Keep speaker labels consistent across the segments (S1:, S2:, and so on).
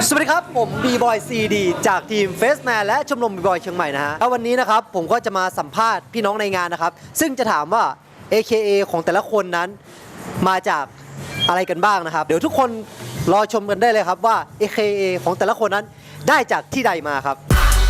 S1: สวัสดีครับผมบีบอยซีดีจากทีมเฟสแมนและชมรมบีบอยเชียงใหม่นะฮะแล้ววันนี้นะครับผมก็จะมาสัมภาษณ์พี่น้องในงานนะครับซึ่งจะถามว่า AKA ของแต่ละคนนั้นมาจากอะไรกันบ้างนะครับเดี๋ยวทุกคนรอชมกันได้เลยครับว่า AKA ของแต่ละคนนั้นได้จากที่ใดมาครับ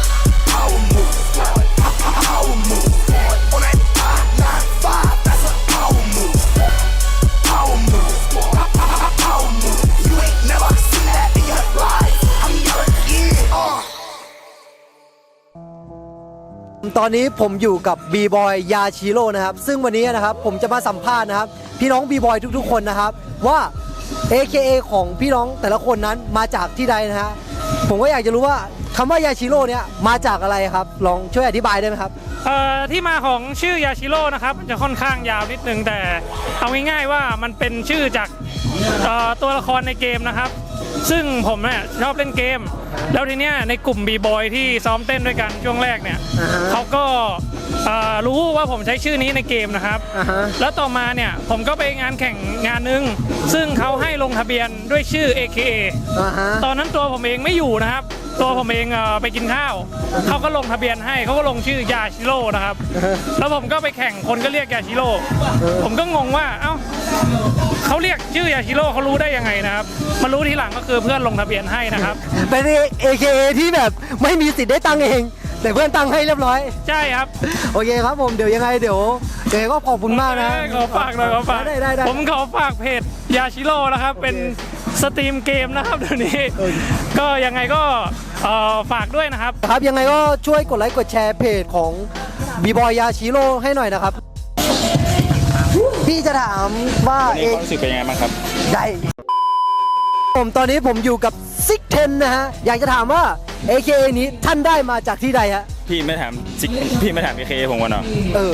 S1: ตอนนี้ผมอยู่กับบีบอยยาชิโร่นะครับซึ่งวันนี้นะครับผมจะมาสัมภาษณ์นะครับพี่น้องบีบอยทุกๆคนนะครับว่า AKA ของพี่น้องแต่ละคนนั้นมาจากที่ใดนะฮะผมก็อยากจะรู้ว่าคำว่ายาชิโร่เนี่ยมาจากอะไรครับลองช่วยอธิบายได้ไหมครับ
S2: ที่มาของชื่อยาชิโร่นะครับจะค่อนข้างยาวนิดนึงแต่เอาง่ายๆว่ามันเป็นชื่อจากตัวละครในเกมนะครับซึ่งผมเนี่ยชอบเล่นเกมแล้วทีเนี้ยในกลุ่มบีบอยที่ซ้อมเต้นด้วยกันช่วงแรกเนี่ยเขาก็รู้ว่าผมใช้ชื่อนี้ในเกมนะครับแล้วต่อมาเนี่ยผมก็ไปงานแข่งงานนึงซึ่งเขาให้ลงทะเบียนด้วยชื่อ AKA ตอนนั้นตัวผมเองไม่อยู่นะครับตัวผมเองไปกินข้าวเขาก็ลงทะเบียนให้เขาก็ลงชื่อยาชิโร่นะครับแล้วผมก็ไปแข่งคนก็เรียกยาชิโร่ผมก็งงว่าเอ้าเขาเรียกชื่อยาชิโร่เขารู้ได้ยังไงนะครับมารู้ทีหลังก็คือเพื่อนลงทะเบียนให้นะครับ
S1: เป็น AKA ที่แบบไม่มีสิทธิ์ได้ตั้งเองแต่เพื่อนตั้งให้เรียบร้อย
S2: ใช่ครับ
S1: โอเคครับผมเดี๋ยวยังไงเดี๋ยวก็ขอบคุณมากนะ
S2: ขอฝากหน่อยขอฝาก
S1: ได้
S2: ผมขอฝากเพจยาชิโร่นะครับเป็นสตรีมเกมนะครับเดี๋ยวนี้ก็ยังไงก็ฝากด้วยนะครับ
S1: ครับยังไงก็ช่วยกดไลค์กดแชร์เพจของบีบอยยาชิโร่ให้หน่อยนะครับพี่จะถามว่า
S3: ความรู้สึกเป็นยังไงบ้างครับ
S1: ได้ผมตอนนี้ผมอยู่กับซิกเทนนะฮะอยากจะถามว่า AKA นี้ท่านได้มาจากที่ใดฮะ
S3: พี่ไม่ถามAKA ผมก่อนเนาะ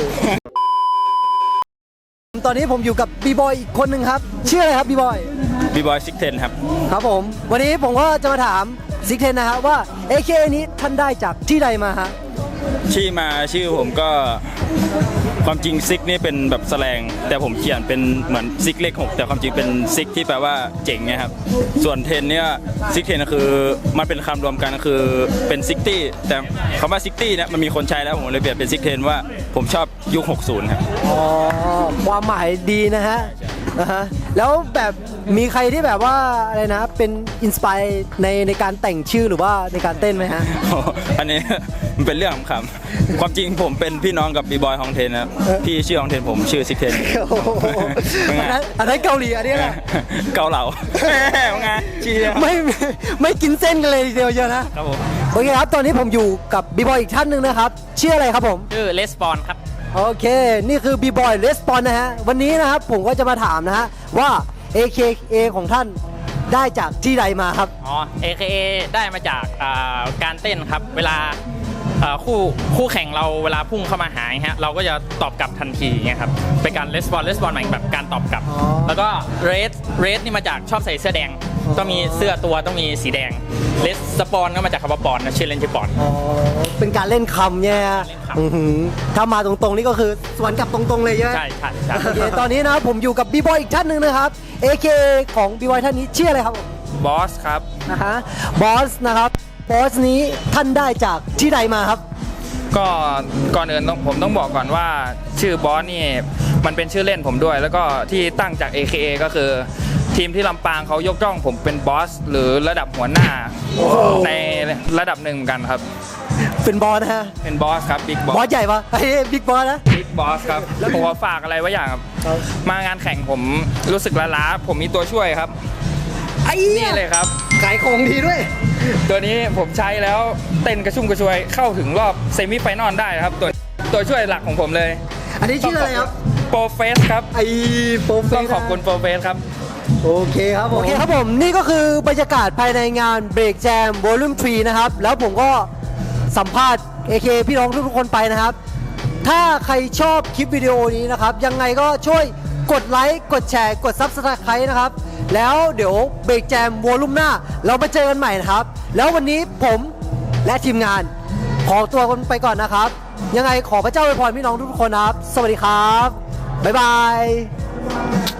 S1: ตอนนี้ผมอยู่กับบีบอยอีกคนหนึ่งครับชื่ออะไรครับบีบอย
S3: ซิกเทนครับ
S1: ครับผมวันนี้ผมก็จะมาถามซิกเทนนะฮะว่า AKA นี้ท่านได้จากที่ใดมาฮะ
S3: ชื่อผมก็ความจริงซิกนี่เป็นแบบแสลงแต่ผมเขียนเป็นเหมือนซิกเลข6แต่ความจริงเป็นซิกที่แปลว่าเจ๋งไงครับส่วนเทนเนี่ยซิกเทนก็คือมันเป็นคำรวมกันก็คือเป็นซิกตี้แต่คำว่าซิกตี้เนี่ยมันมีคนใช้แล้วผมเลยเปลี่ยนเป็นซิกเทนว่าผมชอบยุค60ครับ
S1: อ๋อความหมายดีนะฮะแล้วแบบมีใครที่แบบว่าอะไรนะเป็นอินสปายในการแต่งชื่อหรือว่าในการเต้นไหมฮะ
S3: อันนี้มันเป็นเรื่องขำๆความจริงผมเป็นพี่น้องกับบีบอยฮองเทนนะพี่ชื่อฮองเทนผมชื่อซิกเทน
S1: อันนั้นเกาหลีอันนี้นะ
S3: เกาเหลาไงชื่อ
S1: ไม่กินเส้นกันเลยเดียวเยอะนะครับผมโอเคครับตอนนี้ผมอยู่กับบีบอยอีกท่านหนึ่งนะครับชื่ออะไรครับผม
S2: ชื่อเลสปอนครับ
S1: โอเคนี่คือบีบอยเลสปอนนะฮะวันนี้นะครับผมก็จะมาถามนะฮะว่า AKA ของท่านได้จากที่ใดมาครับ
S2: AKA ได้มาจากการเต้นครับเวลาคู่แข่งเราเวลาพุ่งเข้ามาหาฮะเราก็จะตอบกลับทันทีเงี้ยครับเป็นการレスปอนหมายแบบการตอบกลับแล้วก็เรสนี่มาจากชอบใส่เสื้อแดงต้องมีเสื้อตัวต้องมีสีแดงเลสปอนก็มาจากคำว่าปอนนะชื่อเล่นชื่อปอน
S1: เป็นการเล่นคำเนี่ยถ้ามาตรงๆนี่ก็คือสวนกลับตรงๆเลย
S2: ใช่
S1: โอเคตอนนี้นะผมอยู่กับบีบอยอีกท่านหนึ่งนะครับ AKA ของบีบอยท่านนี้ชื่ออะไรครับ
S2: บอสครับ
S1: บอสนะครับบอสนี้ท่านได้จากที่ใดมาครับ
S4: ก็ก่อนอื่นผมต้องบอกก่อนว่าชื่อบอสนี่มันเป็นชื่อเล่นผมด้วยแล้วก็ที่ตั้งจาก AKA ก็คือทีมที่ลำปางเขายกย่องผมเป็นบอสหรือระดับหัวหน้าในระดับหนึ่งกันครับ
S1: เป็นบอสนะฮะ
S4: เป็นบอสครับบิ๊กบอส
S1: บอสใหญ่ปะบิ๊กบอสนะ
S4: บิ๊กบอสครับผมขอฝากอะไรไว้อย่างครับมางานแข่งผมรู้สึกล้าผมมีตัวช่วยครับนี่เลยครับ
S1: ขายของดีด้วย
S4: ตัวนี้ผมใช้แล้วเต้นกระชุ่มกระชวยเข้าถึงรอบเซมิไฟนอลได้ครับตัวช่วยหลักของผมเลย
S1: อันนี้ชื่ออะไรครับ
S4: โปรเฟสครับ
S1: โปรเฟส
S4: ต้องขอบคุณโปรเฟสครับ
S1: โอเคครับผมนี่ก็คือบรรยากาศภายในงาน Break Jam Volume 3นะครับแล้วผมก็สัมภาษณ์ AKA พี่น้องทุกคนไปนะครับถ้าใครชอบคลิปวิดีโอนี้นะครับยังไงก็ช่วยกดไลค์กดแชร์กด Subscribe นะครับแล้วเดี๋ยวเบรกแจมวอลุ่มหน้าเรามาเจอกันใหม่นะครับแล้ววันนี้ผมและทีมงานขอตัวกันไปก่อนนะครับยังไงขอพระเจ้าอวยพรพี่น้องทุกคนนะครับสวัสดีครับบ๊ายบาย